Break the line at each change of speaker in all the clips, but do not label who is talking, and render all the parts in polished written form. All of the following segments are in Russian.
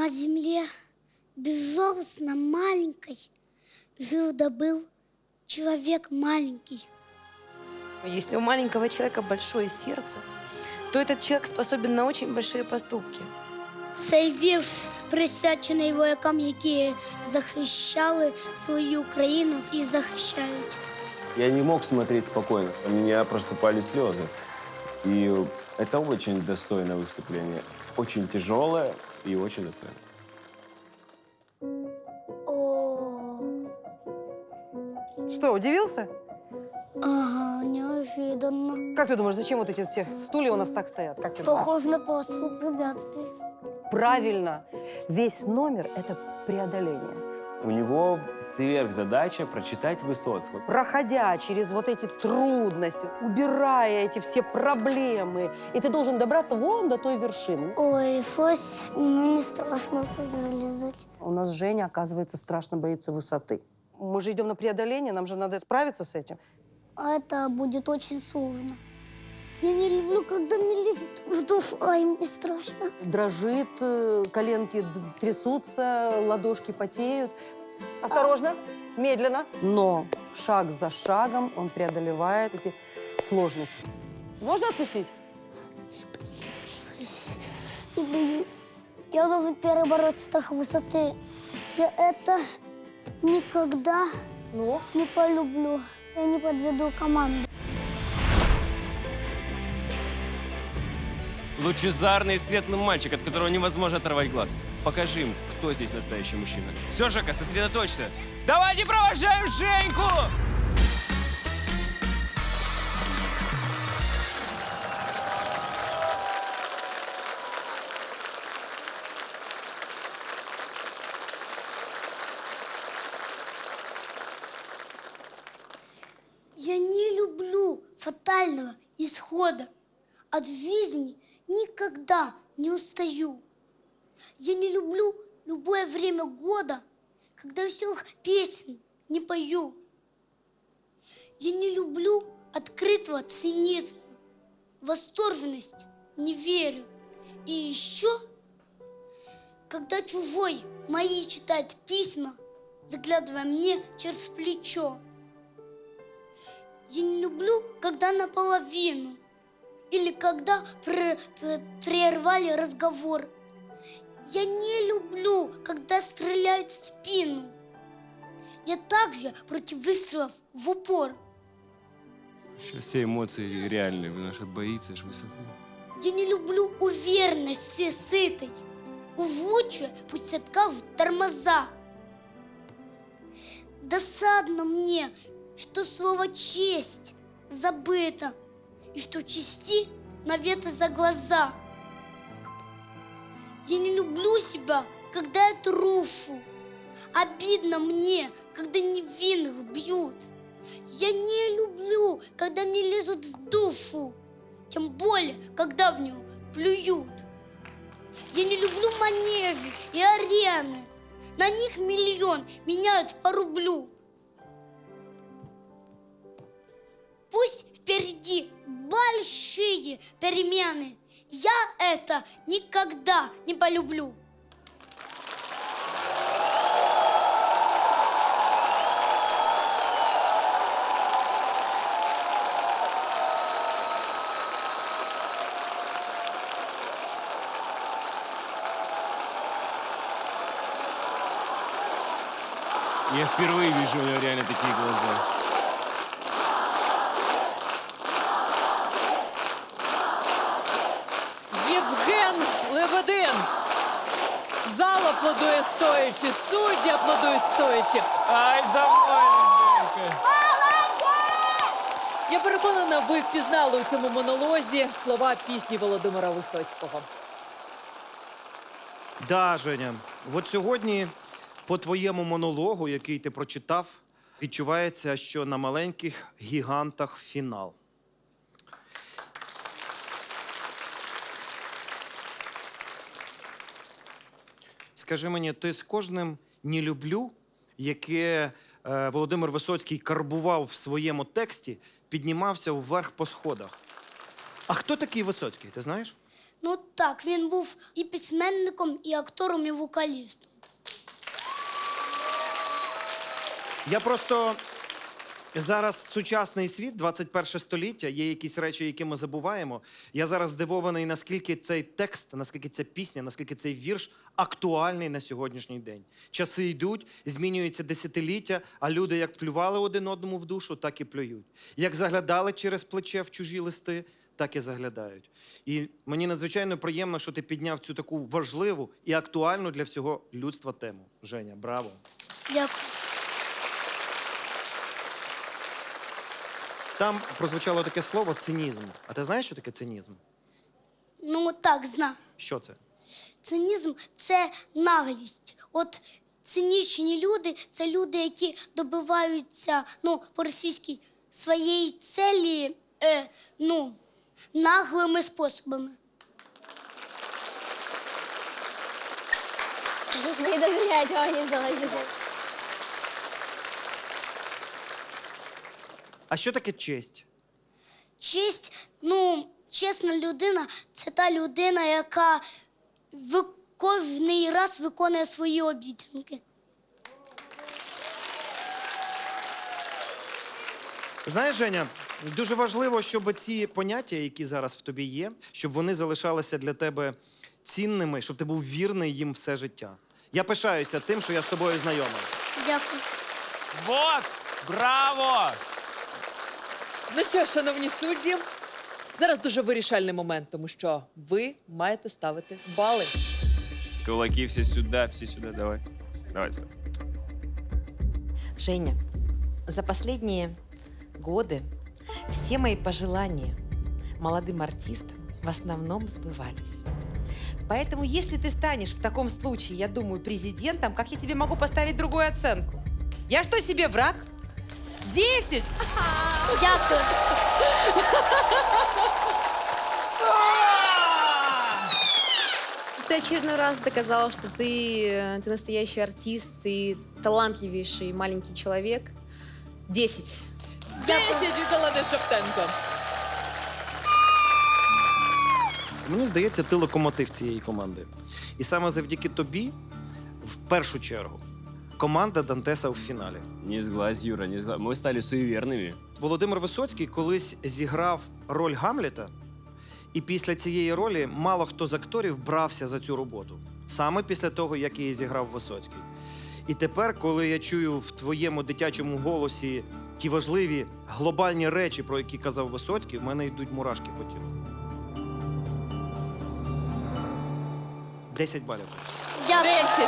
На земле, безжалостно маленькой, жил да был человек маленький.
Если у маленького человека большое сердце, то этот человек способен на очень большие поступки.
Цей вірш присвячений воякам, які захищали свою країну і захищають.
Я не мог смотреть спокойно. У меня проступали слезы. И это очень достойное выступление. Очень тяжелое и очень достойное.
О,
Что, удивился?
ага, неожиданно.
Как ты думаешь, зачем вот эти все стулья у нас так стоят? Как ты думаешь?
Похоже на полосу препятствий.
Правильно. Весь номер – это преодоление.
У него сверхзадача прочитать Высоцкого.
Проходя через вот эти трудности, убирая эти все проблемы, и ты должен добраться вон до той вершины.
Ой, щось мені страшно тут залізати.
У нас Женя, оказывается, страшно боится высоты. Мы же идем на преодоление, нам же надо справиться с этим.
А это будет очень сложно. Я не люблю, когда мне лезет в душу, ай, мне страшно.
Дрожит, коленки трясутся, ладошки потеют. Осторожно, медленно, но шаг за шагом он преодолевает эти сложности. Можно отпустить?
И боюсь. Я должен перебороть страх высоты. Я это никогда
Ну?
не полюблю. Я не подведу команду.
Лучезарный и светлый мальчик, от которого невозможно оторвать глаз. Покажи им, кто здесь настоящий мужчина. Все, Жека, сосредоточься. Давайте провожаем Женьку!
Я не люблю фатального исхода. От жизни никогда не устаю. Я не люблю любое время года, когда веселых песен не пою. Я не люблю открытого цинизма, восторженность не верю. И еще, когда чужой мои читает письма, заглядывая мне через плечо. Я не люблю, когда наполовину. Или когда прервали разговор. Я не люблю, когда стреляют в спину. Я также против выстрелов в упор.
Сейчас все эмоции реальные, потому что боится ж высоты.
Я не люблю уверенности сытой. Уж лучше пусть откажут тормоза. Досадно мне, что слово «честь» забыто. И что чести наветы за глаза. Я не люблю себя, когда я трушу. Обидно мне, когда невинных бьют. Я не люблю, когда мне лезут в душу. Тем более, когда в него плюют. Я не люблю манежи и арены. На них миллион меняют по рублю. Пусть впереди большие перемены. Я это никогда не полюблю.
Я впервые вижу у него реально такие глаза.
Євген Лебедин. Зал аплодує стоячи, судді аплодують стоячи.
Ай, довольно, Женька.
Я переконана, ви впізнали у цьому монолозі слова пісні Володимира Висоцького.
Да, Женя. От сьогодні по твоєму монологу, який ти прочитав, відчувається, що на маленьких гігантах фінал. Скажи мені, ти з кожним «не люблю», яке Володимир Висоцький карбував в своєму тексті, піднімався вверх по сходах. А хто такий Висоцький, ти знаєш?
Ну так, він був і письменником, і актором, і вокалістом.
Я просто зараз сучасний світ, 21 століття, є якісь речі, які ми забуваємо. Я зараз здивований, наскільки цей текст, наскільки ця пісня, наскільки цей вірш актуальний на сьогоднішній день. Часи йдуть, змінюються десятиліття, а люди як плювали один одному в душу, так і плюють. Як заглядали через плече в чужі листи, так і заглядають. І мені надзвичайно приємно, що ти підняв цю таку важливу і актуальну для всього людства тему. Женя, браво!
Дякую.
Там прозвучало таке слово цинізм. А ти знаєш, що таке цинізм?
Ну так, знаю.
Що це?
Цинізм – це наглість. От цинічні люди – це люди, які добиваються, ну, по-російськи, своєї цілі, наглими способами.
Не доверять организовать.
А що таке честь?
Честь, ну, чесна людина – це та людина, яка кожний раз виконує свої обіцянки.
Знаєш, Женя, дуже важливо, щоб ці поняття, які зараз в тобі є, щоб вони залишалися для тебе цінними, щоб ти був вірний їм все життя. Я пишаюся тим, що я з тобою знайомий.
Дякую.
Вот! Браво!
Ну що, шановні судді, зараз дуже вирішальний момент, тому що ви маєте ставити бали.
Кулаки все сюда, давай. Давай сюда.
Женя, за последние годы все мои пожелания молодым артистам в основном сбывались. Поэтому, если ты станешь в таком случае, я думаю, президентом, как я тебе могу поставить другую оценку? Я что, себе враг? 10!
Дякую.
Ты очередной раз доказал, что ты настоящий артист, ты талантливейший маленький человек. 10.
10 від Олени Шептенко.
Мені здається, ти локомотив цієї команди. І саме завдяки тобі, в першу чергу, команда Дантеса в фіналі.
Не сглазь, Юра, не сглазь. Мы стали суеверными.
Володимир Висоцький колись зіграв роль Гамлета, і після цієї ролі мало хто з акторів брався за цю роботу. Саме після того, як її зіграв Висоцький. І тепер, коли я чую в твоєму дитячому голосі ті важливі глобальні речі, про які казав Висоцький, в мене йдуть мурашки по тілу. 10 балів.
Дякую.
10.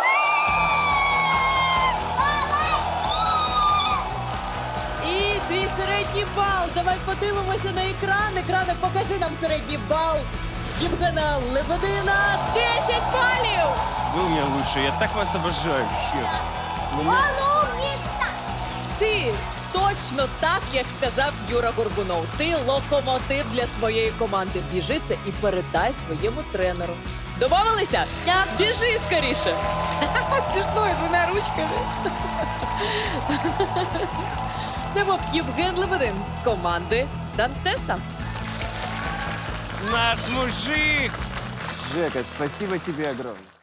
І твій середній бал. Давай подивимося на екран. Екране, покажи нам середній бал. Євгена Лебедина 10 балів.
Вы у меня лучшие, я так вас обожаю. Вообще.
Ти точно так, як сказав Юра Горбунов. Ти локомотив для своєї команди. Біжи це і передай своєму тренеру. Домовилися?
Дякую.
Біжи скоріше.
Смешно, и двумя ручками.
Це був Євген Лебедин з команди Дантеса.
Наш мужик!
Жека, спасибо тебе огромное.